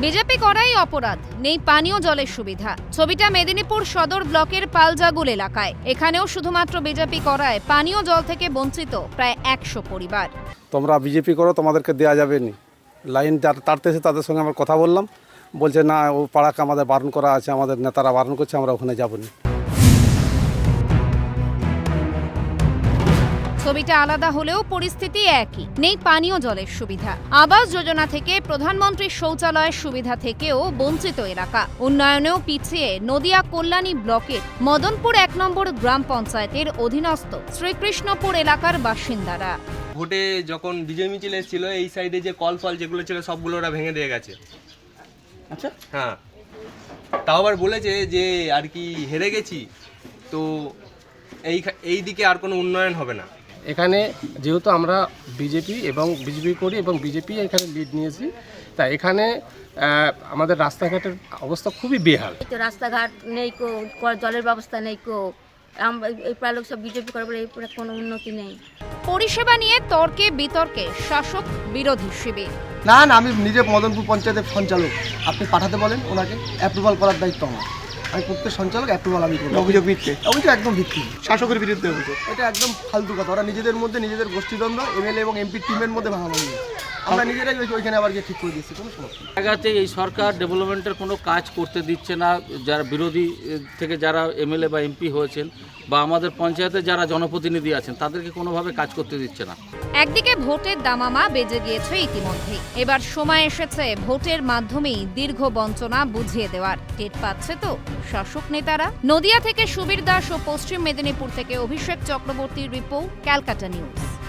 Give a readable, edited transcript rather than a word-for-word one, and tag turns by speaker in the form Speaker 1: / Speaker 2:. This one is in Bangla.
Speaker 1: বিজেপি করাই অপরাধ, নেই পানীয় জলের সুবিধা। ছবিটা মেদিনীপুর সদর ব্লকের পালজাগুল এলাকায়। এখানেও শুধুমাত্র বিজেপি করায় পানীয় জল থেকে বঞ্চিত প্রায় 100 পরিবার।
Speaker 2: তোমরা বিজেপি করো, তোমাদেরকে দেওয়া যাবে না। লাইন তাড়তেছে, তাদের সঙ্গে আমরা কথা বললাম, বলছে না ও পাড়াকে আমাদের বারণ করা আছে, আমাদের নেতারা বারণ করছে, আমরা ওখানে যাবো না।
Speaker 1: ছবিটা আলাদা হলেও পরিস্থিতি একই, নেই পানীয় জলের সুবিধা। আবাস যোজনা থেকে প্রধানমন্ত্রীর শৌচালয়ের সুবিধা থেকেও বঞ্চিত এলাকা। উন্নয়নেও পিছিয়ে নদিয়া কল্যাণী ব্লকের মদনপুর 1 নম্বর গ্রাম পঞ্চায়েতের অধীনস্থ শ্রীকৃষ্ণপুর এলাকার বাসিন্দারা।
Speaker 3: ভোটে যখন বিজয় মিছিল এসেছিল, এই সাইডে যে কল ফল যেগুলো ছিল সবগুলো ওরা ভেঙে দিয়ে গেছে।
Speaker 4: আচ্ছা,
Speaker 3: হ্যাঁ, তাও আবার বলেছে যে আর কি হেরে গেছি, তো এই দিকে আর কোনো উন্নয়ন হবে না।
Speaker 4: এখানে যেহেতু আমরা বিজেপি করি এবং বিজেপি এখানে লিড নিয়েছি, তাই এখানে আমাদের রাস্তাঘাটের অবস্থা খুবই বেহাল।
Speaker 5: রাস্তাঘাট নেই, জলের ব্যবস্থা নেই, এই প্রায় লোক সব বিজেপি করে বলে এই কোনো উন্নতি নেই।
Speaker 1: পরিষেবা নিয়ে তর্কে বিতর্কে শাসক বিরোধী শিবির।
Speaker 6: না, আমি নিজে মদনপুর পঞ্চায়েতের সঞ্চালক, আপনি পাঠাতে বলেন, ওনাকে অ্যাপ্রুভাল করার দায়িত্ব আমার। আমি প্রত্যেক সঞ্চালক অ্যাপ্রুভাল আমি করি। অভিযোগ ভিত্তি, অভিযোগ একদম ভিত্তি, শাসকের বিরুদ্ধে অভিযোগ। এটা একদম ফালতু কথা। ওরা নিজেদের মধ্যে নিজেদের গোষ্ঠীদ্বন্দ্ব, এমএলএ এবং এমপি টিমের মধ্যে ভাঙাভাঙি। আমরা নিজেরাই ওইখানে আবার গিয়ে ঠিক করে দিচ্ছি, কোনো সমস্যা নেই।
Speaker 7: জায়গাতে এই সরকার ডেভেলপমেন্টের কোনো কাজ করতে দিচ্ছে না। যারা বিরোধী থেকে যারা এমএলএ বা এমপি হয়েছেন বা আমাদের পঞ্চায়েতে যারা জনপ্রতিনিধি আছেন, তাদেরকে কোনোভাবে কাজ করতে দিচ্ছে না।
Speaker 1: একদিকে ভোটের দামামা বেজে গিয়েছে ইতিমধ্যে, এবার সময় এসেছে ভোটের মাধ্যমেই দীর্ঘ বঞ্চনা বুঝিয়ে দেওয়ার। টের পাচ্ছে তো শাসক নেতারা। নদিয়া থেকে সুবীর দাস ও পশ্চিম মেদিনীপুর থেকে অভিষেক চক্রবর্তীর রিপোর্ট, ক্যালকাটা নিউজ।